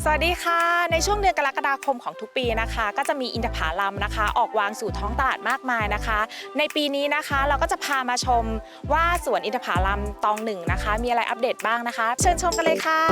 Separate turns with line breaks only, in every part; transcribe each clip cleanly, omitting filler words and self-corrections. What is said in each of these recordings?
สวัสดีค่ะในช่วงเดือนกรกฎาคมของทุกปีนะคะก็จะมีอินทผลัมนะคะออกวางสู่ท้องตลาดมากมายนะคะในปีนี้นะคะเราก็จะพามาชมว่าสวนอินทผลัมตองหนึ่งนะคะมีอะไรอัปเดตบ้างนะคะเชิญชมกันเลยค่ะ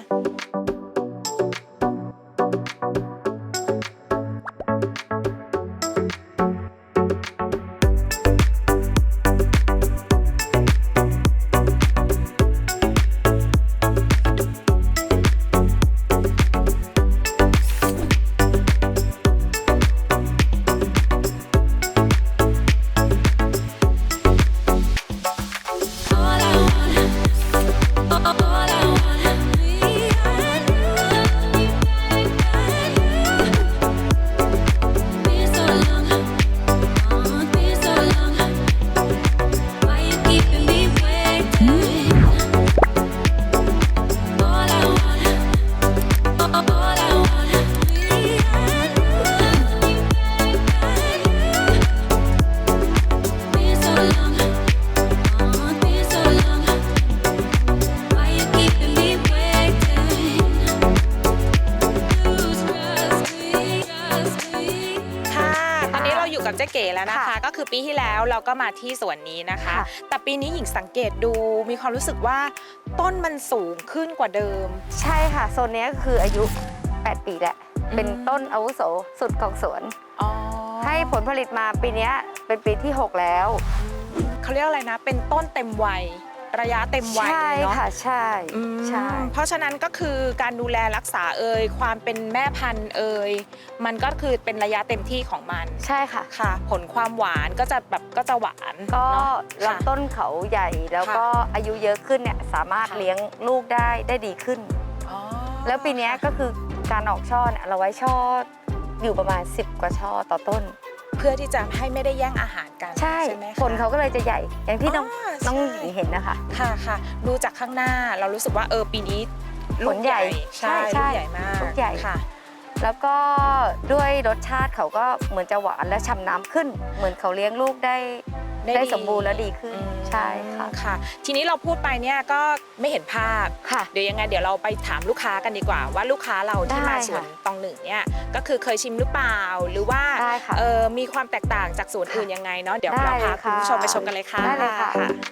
กับเจ๊เก๋แล้วนะคะก็คือปีที่แล้วเราก็มาที่สวนนี้นะคะแต่ปีนี้หญิงสังเกตดูมีความรู้สึกว่าต้นมันสูงขึ้นกว่าเดิม
ใช่ค่ะโซนนี้ก็คืออายุ8 ปีแหละเป็นต้นอาวุโสสุดของสวนให้ผลผลิตมาปีนี้เป็นปีที่6แล้ว
เขาเรียกอะไรนะเป็นต้นเต็มวัยระยะเต็มวัย
ใช่ค่ะใช่
เพราะฉะนั้นก็คือการดูแลรักษาความเป็นแม่พันธุ์มันก็คือเป็นระยะเต็มที่ของมัน
ใช่ค่ะ
ค่ะผลความหวานก็จะหวาน
ก็ลำต้นเขาใหญ่แล้วก็อายุเยอะขึ้นเนี่ยสามารถเลี้ยงลูกได้ดีขึ้นแล้วปีนี้ก็คือการออกช่อเนี่ยเราไว้ช่ออยู่ประมาณ10 กว่าช่อต่อต้น
เพื่อที่จะให้ไม่ได้แย่งอาหารกัน
ใช่ไหมผลเขาก็เลยจะใหญ่อย่างที่น้องหญิงเห็นนะคะ
ค่ะดูจากข้างหน้าเรารู้สึกว่าปีนี้
ผลใหญ่
ใช่ลูกใหญ่มาก
ลูกใหญ่ค่ะแล้วก็ด้วยรสชาติเขาก็เหมือนจะหวานและฉ่ำน้ำขึ้นเหมือนเขาเลี้ยงลูกได้สมบูรณ์และดีขึ้นใช่
ค่ะทีนี้เราพูดไปเนี่ยก็ไม่เห็นภาพเดี๋ยวยังไงเดี๋ยวเราไปถามลูกค้ากันดีกว่าว่าลูกค้าเราที่มาสวนตองหนึ่งเนี่ยก็คือเคยชิมหรือเปล่าหรือว่ามีความแตกต่างจากสวนอื่นยังไงเนาะเดี๋ยวเราพาคุณผู้ชมไปชมกันเลยค่ะ
ได้เลยค่ะ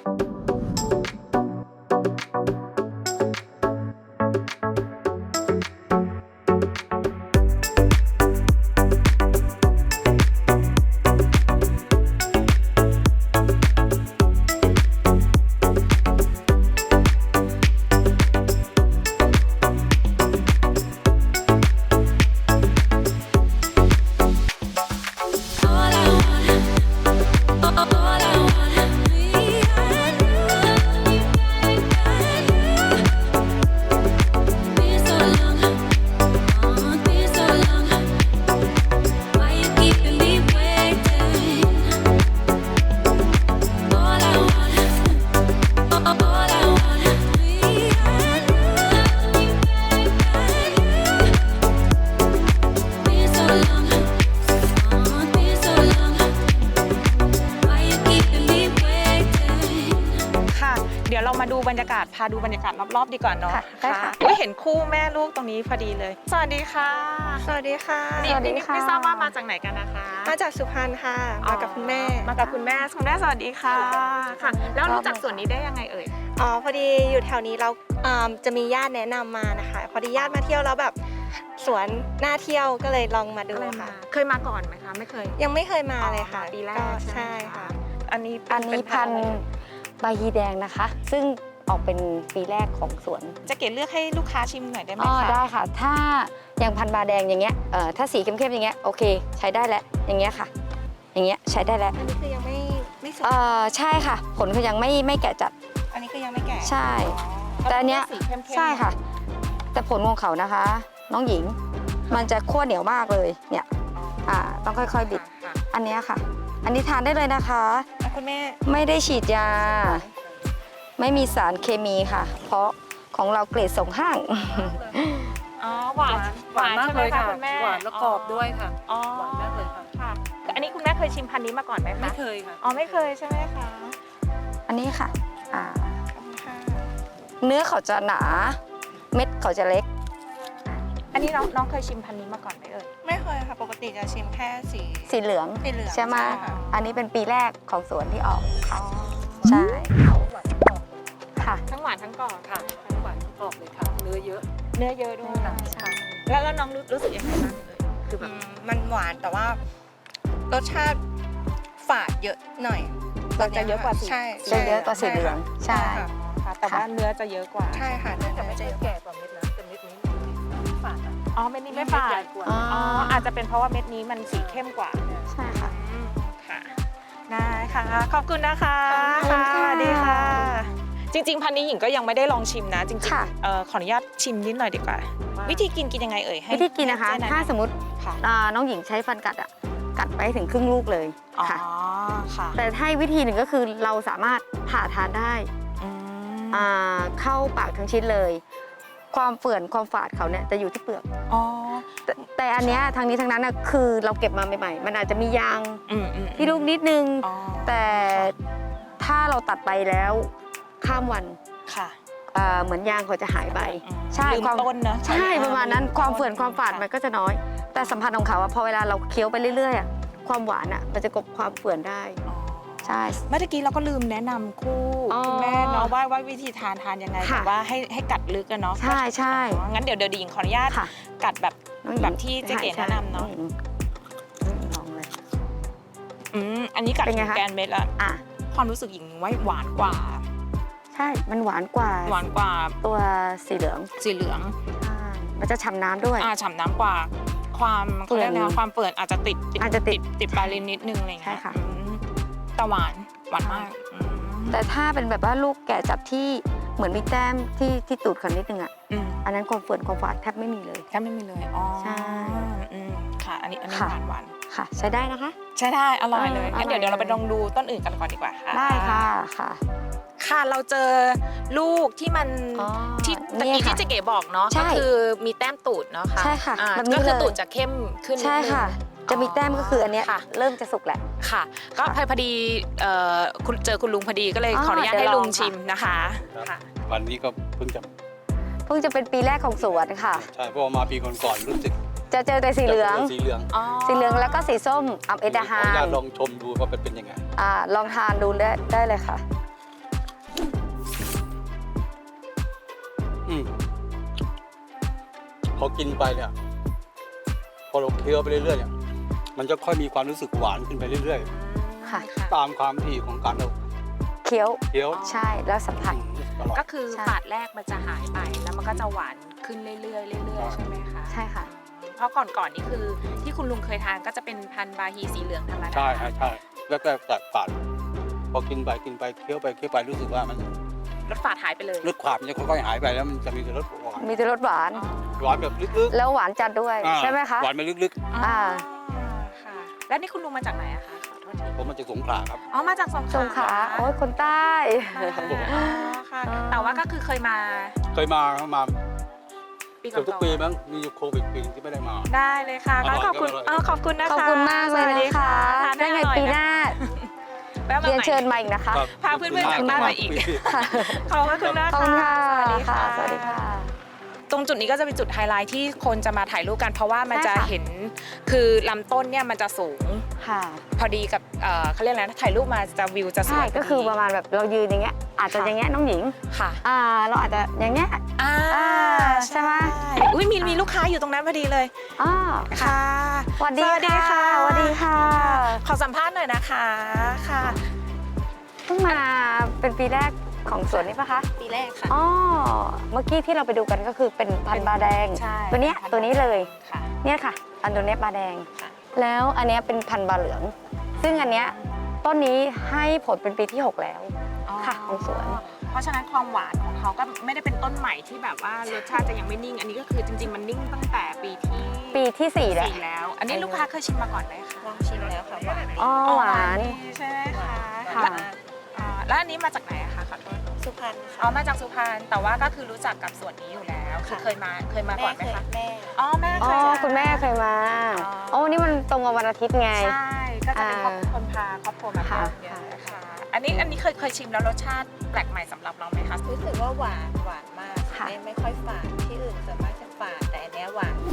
เดี๋ยวเรามาดูบรรยากาศพาดูบรรยากาศรอบๆดีกว่าเนาะค่ะเห็นคู่แม่ลูกตรงนี้พอดีเลยสวัสดีค่ะ
สวัสดีค่ะ
ไม่ทราบว่ามาจากไหนกันนะคะ
มาจากสุพรรณค่ะมากับคุณแม่
คุณแม่สวัสดีค่ะค่ะแล้วรู้จักสวนนี้ได้ยังไงเอ่ย
พอดีอยู่แถวนี้เราจะมีญาติแนะนำมานะคะพอดีญาติมาเที่ยวแล้วแบบสวนน่าเที่ยวก็เลยลองมาดูค่ะ
เคยมาก่อนไหมคะไม่เคย
ยังไม่เคยมาเลยค่ะ
ปีแรก
ใช่ค่ะ
อันนี้พันใบฮีแดงนะคะซึ่งออกเป็นปีแรกของสวน
จะเกศเลือกให้ลูกค้าชิมหน่อยได้ไหมคะ
ได้ค่ะถ้าอย่างพันบาแดงอย่างเงี้ยถ้าสีเข้มๆอย่างเงี้ยโอเคใช้ได้แล้วอย่างเงี้ยค่ะอย่างเงี้ยใช้ได้แล้ว
อันนี้คือยังไม่สุก
ใช่ค่ะผลคือยังไม่แก่จัด
อันนี้คือยังไม่แก่
ใช่แต่อันเนี้ยใช่ค่ะแต่ผลของเขานะคะน้องหญิงมันจะขั้วเหนียวมากเลยเนี่ยต้องค่อยๆบิดอันเนี้ยค่ะอันนี้ทานได้เลยนะคะ
คุณแม่
ไม่ได้ฉีดยาไม่มีสารเคมีค่ะเพราะของเราเกรดส่งห้าง
หวาน
มากเลยค่ะ
คุณแม่
หวานและกรอบด้วยค่ะหวานมากเลย
ค่ะอันนี้คุณแม่เคยชิมพันธุ์นี้มาก่อนไหมคะ
ไม่เคยค่ะ
ไม่เคยใช่ไหมคะ
อันนี้ค่ะเนื้อเขาจะหนาเม็ดเขาจะเล็ก
อันนี้น้องเคยชิมพันธุ์นี้มาก่อนไหมเอ่ย
ไม่เคยค่ะ ปกติจะชิมแค่สี
สีเหลือง
สีเหลือง
ใช่ไหม
ใช่ค่ะ
อันนี้เป็นปีแรกของสวนที่ออกค่ะใช่
หวานทั้งกรอบ
ค่ะ
ทั้งหวานทั้งกรอบ
ค่ะทั้งหวานทั้งกรอบเลยค่ะ เนื้อเยอะ
เนื้อเยอะด้วย
ใช่
แล้วน้องรู้สึกยังไงบ้างเอ่ยคือแบบ
มันหวานแต่ว่ารสชาติฝาดเยอะหน่อย
มันจะเยอะกว่าสี
ใช่
จะเยอะกว่าสีเหลืองใช่
ค่ะ
ค่ะแต่ว่าเนื้อจะเยอะกว่า
ใช่ค่ะ
แต่ไม่ใช่แก่กว่าเม็ดนะแต่เม็ดนี้ฝาดอ่ะ
อ๋อเม็ดนี้ไม่ฝา
ใหญ่
ด
กว่า
อ๋อ
อ๋ออาจจะเป็นเพราะว่าเม็ดนี้มันสีเข้มกว่า
ใช่ค่ะ
ค่ะได้ค่ะ ขอบคุณนะคะ
ขอบคุณค่ะ
สวัสดีค่ะ จริงๆพันธุ์นี้หญิงก็ยังไม่ได้ลองชิมนะจริง
ค่ะ
ๆขออนุญาตชิมนิดหน่อยดีกว่า วิธีกินยังไงเอ่ยให้
วิธีกินนะคะ
ให้เจ๊แ
ถ้าสมมติ
ค่ะ
น้องหญิงใช้ฟันกัดอ่ะกัดไปถึงครึ่งลูกเลย
อ๋อ
ค่ะ
ค่ะ
แต่ถ้าวิธีหนึ่งก็คือเราสามารถผ่าทานได้
อืม
เข้าปากทั้งชิ้นเลย ความเฟื่อนความฝาดเขาเนี่ยจะอยู่ที่เปลือก
อ๋อ
แต่อันเนี้ยทางนี้ทางนั้นน่ะคือเราเก็บมาใหม่ๆ มันอาจจะมียาง
อืม
ที่ลูกนิดนึง
อ๋อ
แต่ถ้าเราตัดไปแล้วข้ามวัน
ค่ะ
เหมือนยางเขาจะหายไป
อืม
ใช่
ลืม
ความ
ต้นเนอะ
ใช่ประมาณนั้น
ลืต้
ความเฟื่อนความฝาดมันก็จะน้อย แต่สัมผัสของเขาอะพอเวลาเราเคี้ยวไปเรื่อยๆอะความหวานอะมันจะกลบความเฟื่อนได้
อ๋อ
ใช่
เมื่อกี้เราก็ลืมแนะนำคู่
อ๋อ
คุณแม่เนาะว่าวิธีทานยังไง
ค่ะ
แต่ว่าให้กัดลึกอะเนาะ
ใช่ใช่
อ๋องั้นเดี๋ยวหญิงขออนุญาต
ค่ะ
กัดแบบ
น้องหญิง
แบบที่เจ๊เก๋แนะนำเนาะ
ใช่น้องหญิงลองเลย
อันนี้กัด
เป็นไง
ถึง
คะ
แกนเม็ดละ
อ่ะ
ความรู้สึกหญิงไว้หวานกว่า
ใช่มันหวานกว่า
หวานกว่า
ตัวสีเหลือง
สีเหลือง
ใช่มันจะฉ่ำน้ำด้วย
ฉ่ำน้ำกว่า ความเขาเรียก
เฟื่
นะ
อน
ความเฟื่อนอาจจะติด
อาจจะติด
ปลายลิ้นนิดนึงอะไรอย่างเงี้ย
ใช่ค่ะ
แต่หวานมาก
แต่ถ้าเป็นแบบว่าลูกแก่จับที่เหมือนมีแต้มที่ตูดเขานิดนึงอ่ะ อันนั้นความเฟื่อนความฝาดแทบไม่มีเลย
แค่ไม่มีเลยอ๋อ
ใช่
ค่ะ อันนี้
ค่ะ
หวาน
ค่ะ ใช้ได้นะคะ
ใช่ได้อร่อยเลย
อร่อย
งั้นเดี๋ยวเราไป
เลย
ลองดูต้นอื่นกันก่อนดีกว่าค่ะ
ได้ค่ะค่ะ
ค่ะเราเจอลูกที่มัน
อ๋อ
ที่ตะ
นี่
กี้
ค่ะ
ที่เจ๊เก๋บอกเนาะ
ใช่
ก็คือมีแต้มตูดเนาะค่ะ
ใช่ค่ะแบบนี้
ก็คือ
เลย
ตูดจะเข้มขึ้นนิด
ใช่
นึง
ค่ะ จะมีแต้มก็คืออันเนี้ย
ค่ะ
เริ่มจะสุกแหละ
ค่ะ ก็
ค่ะ
พอดีคุณเจอคุณลุงพอดีก็เลย
อ๋อ
ขออนุญาต
เดี๋
ให้
ยว
ลุง
ลองค่ะ
ชิมนะคะค่ะ
วันนี้ก็เพิ่งจะ
เพิ่งจะเป็นปีแรกของสวนค่ะ
ใช่เพราะว่ามาปีก่อนๆรู้สึก
จะเจอแต่สีเหลือง
สีเหลือง
สีเหลืองแล้วก็สีส้มอัมเอตา
ขอ
ฮา
อนุญาต
น
ลองชมดูว่าเป็นยังไง
ลองทานดูได้เลยค่ะ
อืมพอกินไปเนี่ย พอเราเคี้ยวไปเรื่อยๆเนี่ยมันจะค่อยมีความรู้สึกหวานขึ้นไปเรื่อย
ค่ะ
ๆ ตามความถี่ของการเรา
เคี้ยว
เคี้ยว
ใช่แล้วสัมผัส
อร่อย
ก็คือ
ใช่
ฝาดแรกมันจะหายไปแล้วมันก็จะหวานขึ้นเรื่อยๆเรื่อยๆใช่ไหมคะ
ใช่ค่ะ
เพราะก่อนนี่คือที่คุณลุงเคยทานก็จะเป็นพันธุ์บาฮีสีเหลืองธรรมดา
ใช่ใช่แรกๆแตกฝาดพอกินไปเคี้ยวไปรู้สึกว่ามัน
รสฝาดหายไปเลย
รสขวาดมันจะค่อยๆหายไปแล้วมันจะมีแต่รสหวาน
มีแต่รสหวาน
หวานแบบลึก
แล้วหวานจัดด้วย
ๆ
ใช่ไหมคะ
หวานไปลึก
อ่า
ค่ะ แล้วนี่คุณลุงมาจากไหนอะคะขอโทษที
ๆผมมาจากสงขลาครับ
อ๋อมาจากสงข
ส
ลาง
ขลาโอ้ยคนใต้
อ๋อค่ะ แต่ว่าก็คือเคยมา
เคยมา
ปีก่
เกือบทุกปี
อน
มั้งมีอยู่โควิดปีนึงที่ไม่ได้มา
ๆได้เลยค่ะ
อร่อย
ขอบคุณ
อร่อย
ขอบคุณนะคะ
ขอบคุณมากเลย
สวัสดี
นะคะ
ทาน
ได้ไง
อร่อย
ปีหน้า
แวะมา
เรียน
ใหม่
เชิญมาอีกนะคะ
ครับ
พาเพื่อนๆจากบ้านมาอีก ขอบคุณนะ
ขอบ
คะ
คุณค่ะ
สวัสดีค่ะ
สวัสดีค่ะ
ตรงจุดนี้ก็จะเป็นจุดไฮไลท์ที่คนจะมาถ่ายรูปกัน เพราะว่ามัน
ใช่
จะ
ค่ะ
เห็นคือลำต้นเนี่ยมันจะสูง
ค่ะ
พอดีกับเขาเรียกอะไรนะถ่ายรูปมาจะวิวจะส
ใช่
วย
ก็คือประมาณแบบเรายืนอย่างเงี้ย อาจจะอย่างเงี้ยน้องหญิง
ค่ะ
เราอาจจะอย่างเงี้ย ใช่ไหม
อุ้ยมีลูกค้าอยู่ตรงนั้นพอดีเลย
อ่า
ค่ะ
สวัสดี
สวัสดีค่ะ
สวัสดีค่ะ
ขอสัมภาษณ์หน่อยนะคะค่ะ
เพิ่งมาเป็นปีแรกของสวนนี้ปะคะ
ปีแรกค่ะ
อ๋อ เมื่อกี้ที่เราไปดูกันก็คือเป็นพันธุ์บาแดง
ใช่
ตัวเนี้ย
พันธุ์
ตัวนี้เลย
ค่ะ
เนี่ยค่ะ อันตัวเนี้ยบาแดง
ค่ะ
แล้วอันเนี้ยเป็นพันธุ์บาเหลือง ซึ่งอันเนี้ยต้นนี้ให้ผลเป็นปีที่ 6 แล้ว ค่ะของสวน
เพราะฉะนั้นความหวานของเขาก็ไม่ได้เป็นต้นใหม่ที่แบบว่ารสชาติจะยังไม่นิ่ง อันนี้ก็คือจริงๆมันนิ่งตั้งแต่ปีที่
ปีที่ 4 แล้ว
4แล้ว อันนี้ลูกค้าเคยชิมมาก่อนไหมคะ
ลองชิมแล้วค่ะหวาน
อ๋อหวาน
ใช่ไหมคะ
ค่ะ
แล้วอันนี้มาจากไหนอะคะขอโทษ
สุพรรณ
อ๋อ
ค่ะ
มาจากสุพรรณแต่ว่าก็คือรู้จักกับส่วนนี้อยู่แล้วคือเคยมาก่อนไหมคะ
แม่
อ๋อแม่
อ๋
เค
อย
มา
คุณแม่เคยมา
อ๋อ
โอ้นี่มันตรงกับวันอาทิตย์ไง
ใช่ก็จะเป็นคนพาครอบครัวมาเที่ยวเยอะค่ะอันนี้เคยชิมแล้วรสชาติแปลกใหม่สำหรับเราไหมคะ
รู้สึกว่าหวานมาก
ค่ะ
ไม่ค่อยฝาดที่อื่นส่วนมากจะฝาดแต่อันเนี้ยหวาน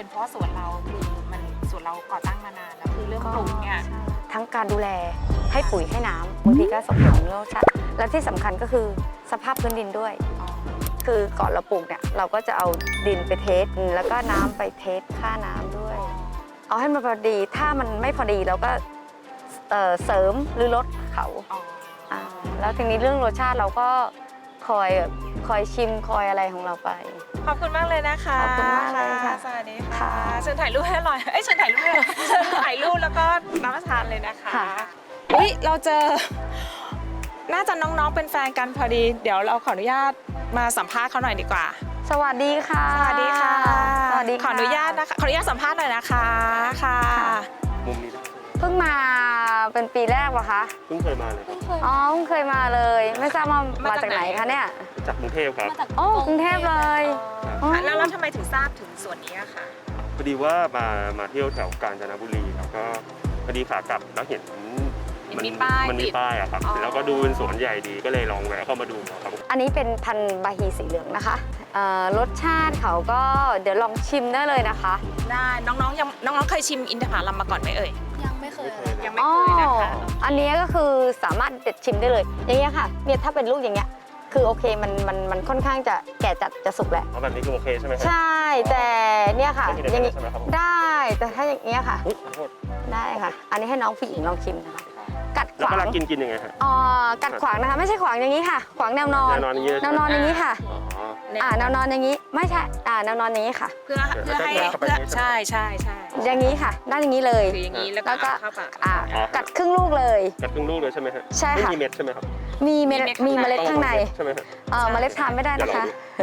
เป็นเพราะสวนเราคือมันสวนเราก่อตั้งมานานแล้วคือเรื่องปลูกเนี่ย
ทั้งการดูแลให้ปุ๋ยให้น้ำบางทีก็ส่งผลเรื่องรสชาติและที่สำคัญก็คือสภาพพื้นดินด้วย คือก่อนเราปลูกเนี่ยเราก็จะเอาดินไปเทสแล้วก็น้ำไปเทสค่าน้ำด้วย เอาให้มันพอดีถ้ามันไม่พอดีเราก็เสริมหรือลดเขาแล้วทีนี้เรื่องรสชาติเราก็คอยชิมคอยอะไรของเราไป
ขอบคุณมากเลยนะคะ
ขอบคุณมากเลยค่ะ
สวัสดีค่ะ
ค่ะ
เชิญถ่ายรูปให้หน่อยเชิญถ่ายรูปให้หน่อยเชิญถ่ายรูปแล้วก็รับประทานเลยนะคะ
ค่ะ
อุ๊ยเราเจอน่าจะน้องๆเป็นแฟนกันพอดี เดี๋ยวเราขออนุญาตมาสัมภาษณ์เขาหน่อยดีกว่า
สวัสดีค่ะ
สวัสดีค่ะ
สวัสดี
ขออนุญาตนะคะขออนุญาตสัมภาษณ์หน่อยนะคะค่ะ
มุมนี้ได้
เพิ่งมาเป็นปีแรกเหรอคะ
เพิ่งเคยมาเลยครับ
อ๋อเพิ่งเคยมาเลย ไม่ทราบว่ามาจากไหนคะเนี่ย
จากกรุงเทพครับ
โอ้กรุงเทพเลยอ๋อ
แล้วทำไมถึงทราบถึงส่วนนี้อะคะ
พอดีว่ามาเที่ยวแถวกาญจนบุรีแล้วก็พอดีขากลับแล้วเห็น
มีป้าย
มันมี
ติด
ป้ายอะครับ
อ๋อ
แล้วก็ดูเป็นสวนใหญ่ดีก็เลยลองแวะเข้ามาดูครับ
อันนี้เป็นพันธุ์บาฮีสีเหลืองนะคะรสชาติเขาก็เดี๋ยวลองชิมได้เลยนะคะ
ได้น้องๆเคยชิมอินทผลัมมาก่อนไหมเอ่ย
ยังไม่เคยเลย
ยังไม่เคยนะคะ
อันนี้ก็คือสามารถเด็ดชิมได้เลย อย่างเงี้ยค่ะเนี่ยถ้าเป็นลูกอย่างเงี้ยคือโอเคมันค่อนข้างจะแก่จัดจะสุกแหละ
เอาแบบนี้คือโอเคใช่ไหมครับ
ใช่แต่เนี่ยค่ะ
ไม่มี
อย่าง
อะไร
งี้
ใช่ไหมครับผม
ได้แต่ถ้าอย่างเงี้ยค่ะ
อุ๊ยขอโทษ
ได้ค่ะ อันนี้ให้น้องผู้หญิงลองชิมนะคะกัดข
แล้ว
วา
เวลาง กินยังไงฮะ
กัดขวางนะคะไม่ใช่ขวางอย่างนี้ค่ะ ขวางแนวนอน
แนวนอนอย่างนี้เลย
แนวนอนอย่างนี้ค่ะ
อ๋อ
แนวนอนอย่างนี้ไม่ใช่แนวนอนอย่างนี้ค่ะ
เพื่อให้
แล้วก็
เพื่อ
เข้าไป
ใช่ใช่
อย่างนี้ค่ะด้านอย่างนี้เลย
คืออย่างนี้แล้ว
แล้วก็
ก็เข้าปาก
กัดครึ่งลูกเลย
กัดครึ่งลูกเลยใช่ไหมฮะ
ใช่ค่ะ
ไม่มีเม็ดใช่ไหมครับ
มีเมล็ด
มี
มี
เม็
เม
ด
ล็ดข้างใน
ใช่ไหมฮะ
เมล็ดทานไม่ได้นะคะ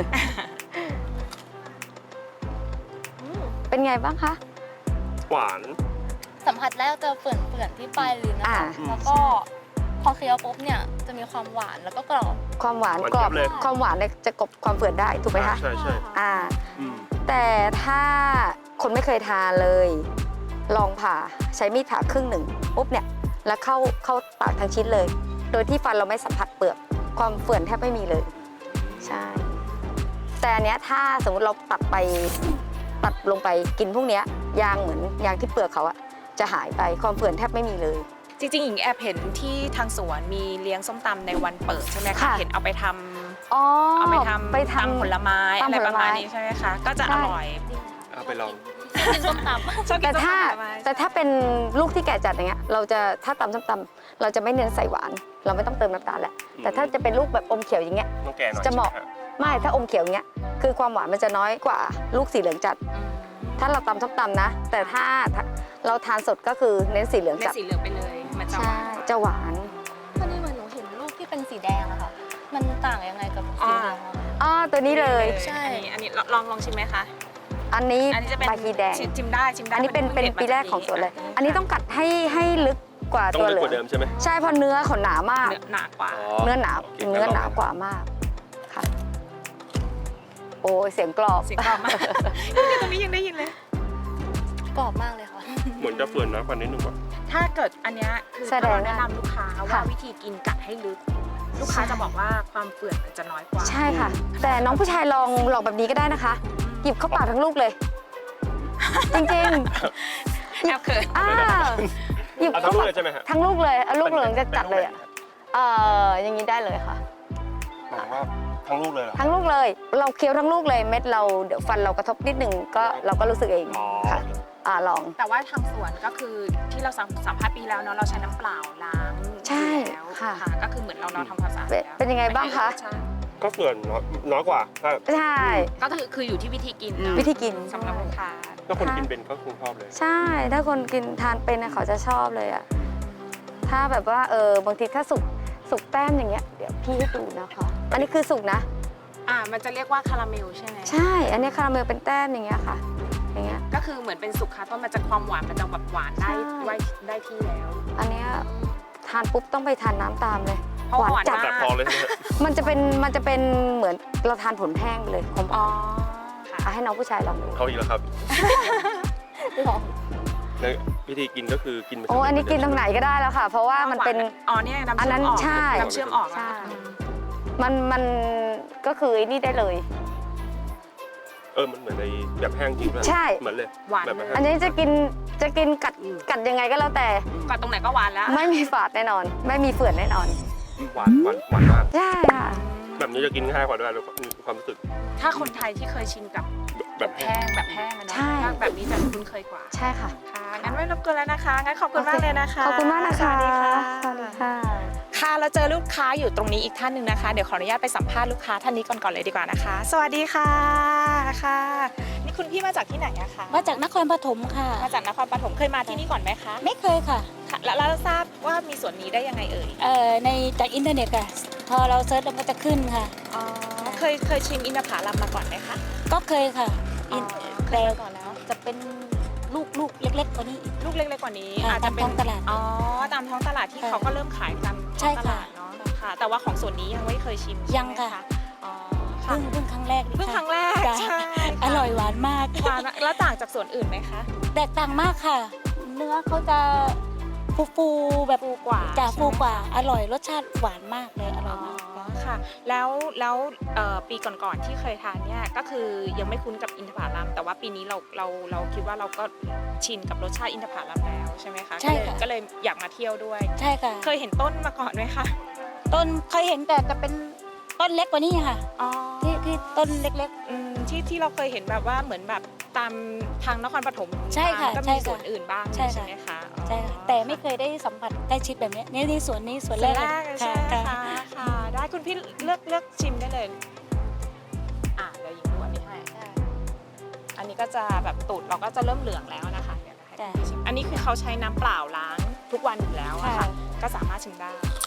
เป็นไงบ้างคะ
หวาน
สัมผัสแรกจะเปื่อนๆที่ปลายลิ้นนะคะ
อืม
แล้วก็พอเคี้ยวปุ๊บเนี่ยจะมีความหวานแล้วก็กรอบ
ความหวาน
หวาน
กรอบ
เจี๊ยบเลย
ความหวานเนี่ยจะกลบความเฝื่อนได้ถูกไหมคะ
ใช่ใช่ อืม
แต่ถ้าคนไม่เคยทานเลย ลองผ่าใช้มีดผ่าครึ่งหนึ่งปุ๊บเนี่ยแล้วเข้าปากทั้งชิ้นเลย โดยที่ฟันเราไม่สัมผัสเปลือกความเฝื่อนแทบไม่มีเลย ใช่ แต่อันเนี้ยถ้าสมมติเราตัดลงไปกินพวกเนี้ยยางเหมือนยางที่เปลือกเขาอะจะหายไปความเฝื่อนแทบไม่มีเลย
จริงๆหญิงแอบเห็นที่ทางสวนมีเลี้ยงส้มตำในวันเปิดใช่ไหมคะ
ค่ะ
เห็นเอาไปทำ
อ๋อ
เอาไปท
ไปทำ
ำผลไม้
ตำ
อะไร
ผล
ประ
ไม้
มาณนี้ใช่ไหมคะก็จะอร่อย
เอาไปลอง
เป็นส้มตำ
ชอบกิ
แต่
นส้ม
ถ้า
ตำผลไม้
แต่ถ้าเป็นลูกที่แก่จัดอย่างเงี้ยเราจะถ้าตำส้มตำเราจะไม่เน้นใส่หวาน เราไม่ต้องเติมน้ำตาลแหละแต่ถ้าจะเป็นลูกแบบอมเขียวอย่างเงี้ย
ต้องแก่หน่อย
จะเหมาะ
ใช่ไฮ
ไม่ถ้าอมเขียวอย่างเงี้ยคือความหวานมันจะน้อยกว่าลูกสีเหลืองจัด
อืม
ถ้าเราตำส้มตำนะ แต่ถ้าเราทานสดก็คือเน้นสีเหลือง
เม็ด
จัด
สีเหลืองไปเลยมันจะห
ใช่
วาน
จะหวาน
วันนี้เหมือนหนูเห็นลูกที่เป็นสีแดงอะค่ะ มันต่างยังไงกับสีเหลืองอะคะ
ตัวนี้เลย
ใช่
อันนี้ลองชิมไหมคะ
อันนี้
อันนี้จะเป็น
บาฮีแดง
ชิมได้ชิมได้
อันนี้เป็น
พิ่ง
ปีแรกของสวนเลย
ด็ดมา
อันนี้ต้องกัดให้ลึกกว่า
ต้อง
ตัว
ลึ
เห
ก
ลื
ก
อง
ว่าเดิมใช่ไหม
ใช่เพราะเนื้อเขาหนามาก
เนื้อหนากว่า
เนื้อหนา
โอเค
เนื้อหนากว่ามากค่ะ โอ้ยเสียงกรอบ
เสียงกรอบมากเนี่ยตรงนี้ยังได้ยินเลย
กรอบมากเลยค่ะ
เหมือนจะเฟื่อนน้อยกว่านิดนึงว่ะ
ถ้าเกิดอันเนี้ยคือ
แสด
ถ้าง เราแนะนำลูกค้าว่า
ค่ะ
วิธีกินกัดให้ลึก ลูกค้าจะบอกว่าความเปื่อนมันจะน้อยกว่า
ใช่ค่ะ แต่น้องผู้ชายลองแบบนี้ก็ได้นะคะ หยิบเข้าปากทั้งลูกเลย จริง
แอบเขิน
ๆหยิบ
เอาทั้งลูกเลยใช่ไหมฮะ
ทั้งลูกเลยเอาลูกเหลืองจะจัดเลยอ่ะ
ป็น
อย่างนี้ได้เลยค่ะ
หมายถึงว่าทั้งลูกเลยเหรอ
ทั้งลูกเลย เราเคี้ยวทั้งลูกเลยเม็ดเราเดี๋ยวฟันเรากระทบนิดหนึ่งก็เราก็รู้สึกเอง
อ๋อ
ค่ะลอง
แต่ว่าทางสวนก็คือที่เราสัมภาษณ์ปีแล้วเนาะเราใช้น้ำเปล่าล้าง
ใช่
อยู่แล้ว
ค่ะ
ก็คือเหมือนเราทำความสะอาด
เป็นยังไงบ้างคะ
ใช่
ก็เฟื่อนน้อยกว่าถ้า
ใช่
ก็คืออยู่ที่วิธีกินเนาะ
วิธีกิน
สำหรับลูกค้า
ถ้าคนกินเป็นก็คงชอบเลย
ใช่ ถ้าคนกินทานเป็นนะเขาจะชอบเลยอ่ะ ถ้าแบบว่าบางทีถ้าสุกแต้มอย่างเงี้ย เดี๋ยวพี่ให้ดูนะคะ อันนี้คือสุกนะ
มันจะเรียกว่าคาราเมลใช่ไหม
ใช่ อันนี้คาราเมลเป็นแต้มอย่างเงี้ยค่ะ อย่างเงี้ย
ก็คือเหมือนเป็นสุกคาต้นมันจะความหวานมันจะแบบหวานได้
ใช่
ได้ที่แล้ว
อันเนี้ยทานปุ๊บต้องไปทานน้ำตามเลย
เพราะ
หวาน
หวาน
จัด
มาก
จัดพอเลยใช่ไหมฮะ
มันจะเป็นเหมือนเราทานผลแห้งไปเลยของ
อ๋อค่ะ
ให้น้องผู้ชายลองดู
เขาอีกแล้วครับ
ลอง
ในวิธีกินก็คือกินไป
โอ้อันนี้กินตรงไหนก็ได้แล้วค่ะ เพราะว่ามันเป็น
อ๋อเนี่ยน้ำ
อัน
เชื่
นั้
อน มออก
ใช่
น้ำเชื่อมออก
ใช่
แล้ว
มันก็คือไอ้นี่ได้เลย
มันเหมือนในแบบแห้งจริงด้วย
ใช่
เหมือนเลย
หวาน
แบบ
เลย
แห้ง
อันนี้จะกินกัดยังไงก็แล้วแต่
ก่อนตรงไหนก็หวานแล้ว
ไม่มีฝาดแน่นอน ไม่มีเฝื่อนแน่นอน
หวานมาก
ใช่ค่ะ
แบบนี้จะกินง่ายกว่าด้วยความรู้สึก
ถ้าคนไทยที่เคยชินกับ
แบบแห้ง
แบบแห้งอะเนาะ
ใช่
แบบนี้จะคุ้นเคยกว่า
ใช่ค่ะ
ค่ะงั้นไม่รบกวนแล้วนะคะงั้นขอบคุณมากเลยนะคะ
ขอบคุณมากนะคะ
สวัสดีค่ะ
สวัสดีค่ะ
ค่ะเราเจอลูกค้าอยู่ตรงนี้อีกท่านหนึ่งนะคะ เดี๋ยวขออนุญาตไปสัมภาษณ์ลูกค้าท่านนี้ก่อนเลยดีกว่านะคะ สวัสดีค่ะค่ะ นี่คุณพี่มาจากที่ไหนอะคะ
มาจากนครปฐมค่ะ
มาจากนครปฐมเคยมาที่นี่ก่อนไหมคะ
ไม่เคยค่ะ
ค่ะแล้วเราทราบว่ามีสวนนี้ได้ยังไงเอ่ย
ในจากอินเทอร์เน็ตค่ะ พอเราเซิร์ชมันก็จะขึ้นค่ะ
อ๋อเคยชิมอินทผลัมมาก่อนไหมคะ
ก็เคยค่ะ
อ๋อเคยมาก่อนแล้ว
จะเป็นลูกเล็กๆกว่านี้อีก
ลูกเล็กๆกว่านี้
ค่ะ
อาจจะเป็น
ตามท้องตลาด
อ๋อตามท้องตลาดที่
ค่ะ
เขาก็เริ่มขายตามท้
ใช่
องต
ค่ะ
ลาดเนาะค่ะ แต่ว่าของส่วนนี้ยังไม่เคยชิมใช่ไหม
ยังค่ะ
อ๋อค่ะ
เพิ่งครั้งแรกนี่
เพิ่ง
ค่ะ
ครั้งแรก
จ้ะ
ใช่ค่ะ
อร่อยหวานมาก
หวานมากแล้วต่างจากส่วนอื่นไหมคะ
แตกต่างมากค่ะ เนื้อเขาจะฟูแบบ
ฟูกว่า
จะ
ใช่ไหม
ฟูกว่า อร่อยรสชาติหวานมากเลย อร่
อ๋
อ
อย
มาก
ค่ะ แล้วปีก่อนๆที่เคยทานเนี่ยก็คือยังไม่คุ้นกับอินทผลัมแต่ว่าปีนี้เราคิดว่าเราก็ชินกับรสชาติอินทผลัมแล้วใช่ไหมคะ
ใช่ค่ะ
ก็เลยอยากมาเที่ยวด้วย
ใช่ค่ะ
เคยเห็นต้นมาก่อนไหมคะ
ต้นเคยเห็นแต่จะเป็นต้นเล็กกว่านี้ค่ะ
อ๋อ
ที่ต้นเล็ก
ที่เราเคยเห็นแบบว่าเหมือนแบบตามทางนครปฐม
ใช่ค่ะ
ก็
ใช่
มี
ค่ะ
ส่วนอื่นบ้าง
ใช่ค่ะ
ไหมคะ
ๆใช่ค่ะแต่ไม่เคยได้สัมผัสใกล้ชิดแบบนี้นี่สวนนี้สวน
ส่วน
แร
แร
ก
ก
เลย
ใช่ไหม
ค่ะ
คะค่ะ ได้คุณพี่เลือกชิมได้เลยเดี๋ยวหญิงดูอันนี้ให้อันนี้ก็จะแบบตูดเราก็จะเริ่มเหลืองแล้วนะคะเดี๋ยวให้คุณพี่ชิมอันนี้คือเขาใช้น้ำเปล่าล้างทุกวันอยู่แล้วอะค่ะ ก็สามารถชิมได้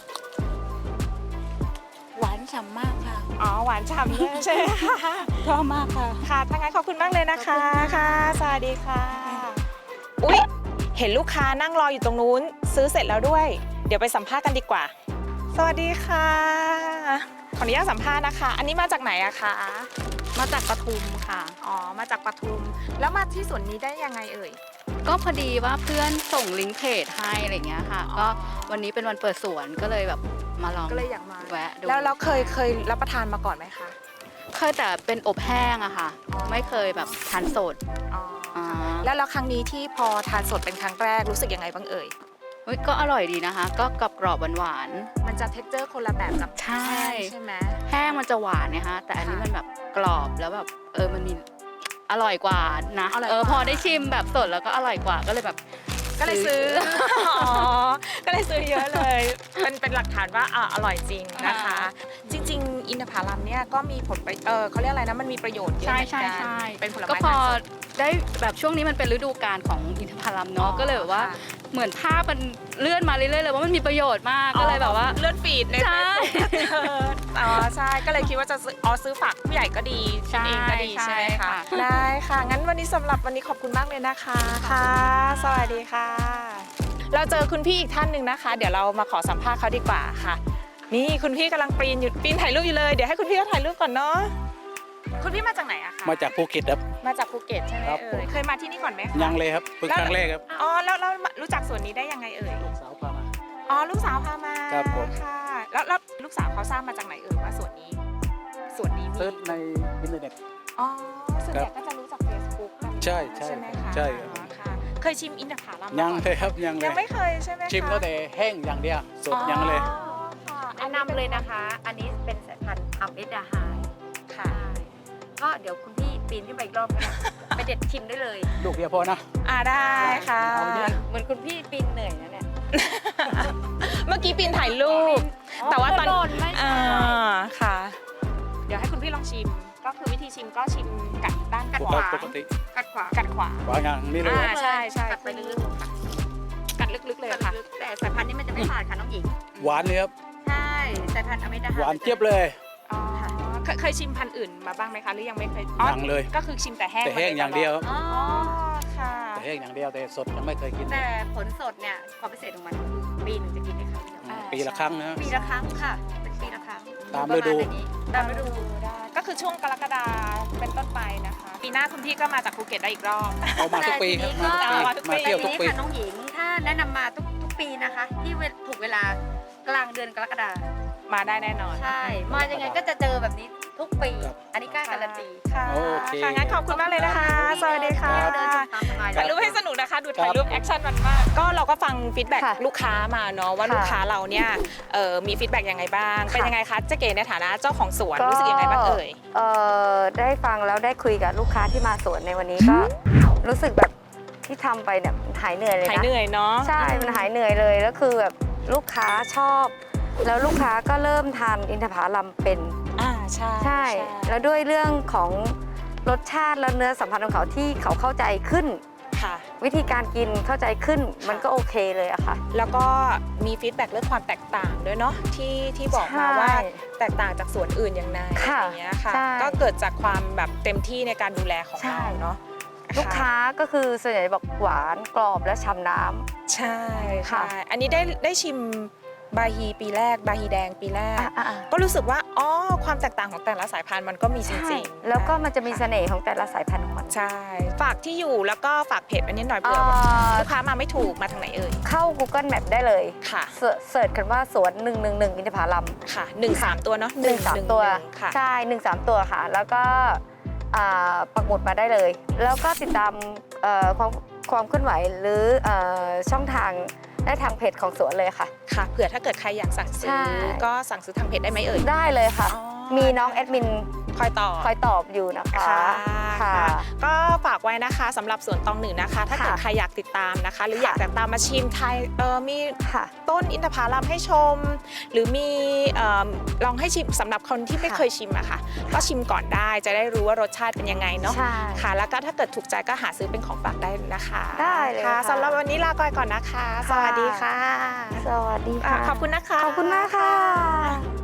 หวานฉ่ำมากค่ะ
อ๋อหวานฉ่ำด้วยใช่ไหมคะ
ชอบมากค่ะ
ค่ะถ้างั้นขอบคุณมากเลยนะคะ
ขอบคุณค่ะ
ค่ะ สวัสดีค่ะ อุ๊ย เห็นลูกค้านั่งรออยู่ตรงนู้น ซื้อเสร็จแล้วด้วย เดี๋ยวไปสัมภาษณ์กันดีกว่า สวัสดีค่ะ ขออนุญาตสัมภาษณ์นะคะ อันนี้มาจากไหนอะคะ
มาจากปทุมค่ะ
อ๋อ มาจากปทุม แล้วมาที่สวนนี้ได้ยังไงเอ่ย
ก็พอดีว่าเพื่อนส่งลิงก์เพจให้อะไรเงี้ยค่ะ ก็วันนี้เป็นวันเปิดสวนก็เลยแบบมาลอง
ก็เลยอยากมา
แวะดู
แล้วเราเคยรับประทานมาก่อนไหมคะ
เคยแต่เป็นอบแห้งอะค่ะ ไม่เคยแบบทานสด
อ๋อ
อ่า
แล้วครั้งนี้ที่พอทานสดเป็นครั้งแรกรู้สึกยังไงบ้างเอ่ย
เฮ้ยก็อร่อยดีนะคะ ก็กรอบๆหวาน
มันจะเท็กเจอร์คนละแบบกับ
ใช่
แห้งใช่ไหม
ๆแห้งมันจะหวานนะคะแต่อันนี้
ค่ะ
มันแบบกรอบแล้วแบบมันมีอร่อยกว่านะ
อร่อยกว่า
พอได้ชิมแบบสดแล้วก็อร่อยกว่าก็เลยแบบ
ก็เลยซื้อ อ๋อ ก็เลยซื้อเยอะเลย เป็นหลักฐานว่าอร่อยจริงนะคะ จริง ๆ อินทผลัมเนี่ยก็มีผลเขาเรียกอะไรนะ มันมีประโยชน์เยอะ
ใช่
เหมือน
ใช่
กัน
ใช่
เป็นผล
ก็
ไม้
พอ
ทานสด
ได้แบบช่วงนี้มันเป็นฤดูกาลของอินทผลัมเนาะก็เลยแบบว่า
ค่ะ
เหมือนภาพมันเลื่อนมาเรื่อยๆเลยว่ามันมีประโยชน์มากก็เลยแบบว่า
เลื่อนฟีดใน
ใช่
Facebook อ๋อใช่ ก็เลยคิดว่าจะซื้อฝากผู้ใหญ่ก็ดีกินเองก็ดีใช่ไหมคะ ได้ค่ะ งั้นวันนี้สำหรับวันนี้ขอบคุณมากเลยนะคะค่ะ สวัสดีค่ะ เราเจอคุณพี่อีกท่านหนึ่งนะคะ เดี๋ยวเรามาขอสัมภาษณ์เขาดีกว่าค่ะ นี่คุณพี่กำลังปีนถ่ายรูปอยู่เลย เดี๋ยวให้คุณพี่เขาถ่ายรูปก่อนเนาะ คุณพี่มาจากไหนอะคะ
มาจากภูเก็ตครับ
มาจากภูเก็ตใช่ไหม
ครับ
เอ่ย เคยมาที่นี่ก่อนไหมคะ
ยังเลยครับเพิ่งครั้งแรกครับ
อ๋อ แล้วรู้จักสวนนี้ได้ยังไงเอ่ย
ลูกสาวพามา
อ๋อ ลูกสาวพามา
ครับผม
ค่ะแล้วลูกสาวเขาทราบมาจากไหนเอ่ยว่าสวนนี้มี
เซิร์ชในอินเทอร์เน็ต
อ๋อส่วนใหญ่ก็จะรู้จาก Facebook กัน
ใช่ใช่
ใช่ไหมคะ
ใช่ครับ
อ๋อค่ะ เคยชิมอินทผลัม
ยัง
มาก่อน
เลยครับยังเล
ยั
ย
งไม่เคยใช่ไหมคะ
ชิมแล้วแต่แห้งอย่างเดียวสดยังเลย
อ๋อค่ะ
แนะนำเลยนะคะ อันนี้เป็นสายพันธุ์อัมเอสดาไฮ
ค่ะ
ก็เดี๋ยวคุณพี่ปีนขึ้นไปอีกรอบนะไปเด็ดชิมได้เลย
ลูกเดียวพอนะ
ได้ค่ะ
เอาเยอะ
เหมือนคุณพี่ปีนเหนื่อยนะเนี่ย
เมื่อกี้ปีนถ่ายรูป แต่ว่าตอน
โดนไม่
อ่า
ใช่
ค่ะ เดี๋ยวให้คุณพี่ลองชิม ก็คือวิธีชิมก็ชิมกัดด้านขวา
ปกติ
กัดขวา
กัดขวา
วางอย่างนี้เลย
ใช่ใช่
กัดไปลึกๆค่ะ
กัดลึกๆเลย
กัด
ค่ะ
ลึกๆแต่สายพันธุ์นี้มันจะไม่ขาดค่ะน้องหญิง
หวานเลยครับ
ใช่สายพันธุ์อัมเอสดาไฮ
หวานเจี๊ยบเลย
อ๋อเคยชิมพันธุ์อื่นมาบ้างไหมคะหรือยังไม่เคย
ยังเลย
ก็คือชิมแต่แห้ง
แต่แห้งอย่างเดียวครับ
อ๋อ
อ๋อค่ะ
แต่แห้งอย่างเดียวแต่สดยังไม่เคยกิน
แต่ผลสดเนี่ยความพิเศษของมันคือปีหนึ่งจะกินได้ครั้งเดียว
ปีละครั้งนะ
ปีละครั้งค่ะ เป็นปีละครั้ง
ตามฤดู
ประณนี้ตามฤดู
ได้ก็คือช่วงกรกฎาเป็นต้นไปนะคะ ปีหน้าคุณพี่ก็มาจากภูเก็ตได้อีกรอบ
เอามาทุกปีครับ
มาทุกปี
มาเที่ยวทุกปี
ค่ะน้องหญิงถ้าแนะนำมาทุกปีนะคะ ที่ถูกเวลากลางเดือนกรกฎาคม
มาได้แน่นอน
ใช่ มายังไงก็จะเจอแบบนี้ทุกปี
ครับ
อันนี้กล้าการันตี
ค่ะ
โอเค
ค่ะงั้นขอบคุณมากเลยนะคะ สวัสดีค่ะ
เดินชมตามสบาย
ถ่ายรูปให้สนุกนะคะ ดูถ่ายรูปแอคชั่นมันมาก ก็เราก็ฟังฟีดแบ็ก
ค่ะ
ลูกค้ามาเนาะว่า
ค่ะ
ลูกค้าเราเนี่ยมีฟีดแบ็กยังไงบ้าง เป็น
ค่ะ
ยังไงคะเจ๊เก๋ในฐานะเจ้าของสวนรู้สึกยังไงบ้างเอ่ย
ได้ฟังแล้วได้คุยกับลูกค้าที่มาสวนในวันนี้ก็รู้สึกแบบที่ทำไปเนี่ยมันหายเหนื่อยเลยนะ
หายเหนื่อยเนาะ
ใช่ มันหายเหนื่อยเลยแล้วคือแบบลูกค้าชอบ แล้วลูกค้าก็เริ่มทานอินทผลัมเป็น
ใช่
ใช่ แล้วด้วยเรื่องของรสชาติและเนื้อสัมผัสของเขาที่เขาเข้าใจขึ้น
ค่ะ
วิธีการกินเข้าใจขึ้นมันก็โอเคเลยอะค่ะ
แล้วก็มีฟีดแบ็กเรื่องความแตกต่างด้วยเนาะที่บอกมา
ใช่
ว่าแตกต่างจากสวนอื่นยังไง
ค่ะ
อย่างเงี้ยค่ะ
ใช่
ก็เกิดจากความแบบเต็มที่ในการดูแลของ
ใช่
เราเนาะ
ลูกค้าก็คือส่วนใหญ่บอกหวานกรอบและฉ่ำน้ำ
ใช่
ค่ะ
ใช่อันนี้ได้ชิมบาฮีปีแรกบาฮีแดงปีแรก
อ่ะ
ก็รู้สึกว่าอ๋อความแตกต่างของแต่ละสายพันธุ์มันก็มีจ
ใช่
ริงๆ
แล้วก็มันจะมีเสน่ห์ของแต่ละสายพันธุ์ของมัน
ใช่ฝากที่อยู่แล้วก็ฝากเพจอันนี้หน่อยเผื่อลูกค้ามาไม่ถูกมาทางไหนเอ่ย
เข้า Google Map ได้เลย
ค่ะ
เสิร์ชกันว่าสวน 111 อินทผลัม
ค่ะ1-3 ตัวเนาะ
1-3 ตัว
ค่ะ
ใช่ 1-3 ตัวค่ะ แล้วก็ปักหมุดมาได้เลย แล้วก็ติดตามความเคลื่อนไหวหรือช่องทางได้ทางเพจของสวนเลยค่ะ
ค่ะเผื่อถ้าเกิดใครอยากสั่งซื้
ใช่
อก็สั่งซื้อทางเพจได้ไหมเอ่ย
ได้เลยค่ะ
อ๋อ
มีน้องแอดมิน
คอยต่อ
คอยตอบอยู่นะคะ
ค่ะก็ฝากไว้นะคะสำหรับสวนตองหนึ่งนะคะ ถ้าเกิด
ค่ะ
ใครอยากติดตามนะคะ หรือ
ค่ะ
อยากจะตามมาชิมไทยมี
ค่ะ
ต้นอินทผลัมให้ชม หรือมีลองให้ชิมสำหรับคนที่ไม่
ค่ะ
เคยชิมอะค่ะ ก็ชิมก่อนได้จะได้รู้ว่ารสชาติเป็นยังไงเนาะ
ใช่
ค่ะ แล้วก็ถ้าเกิดถูกใจก็หาซื้อเป็นของฝากได้นะคะ
ได้เลย
ค่ะ
ค่ะ
สำหรับวันนี้ลาก่อนนะคะ สวัสดีค่ะ
สวัสดีค่ะ
ขอบคุณนะคะ
ขอบคุณมากค่ะ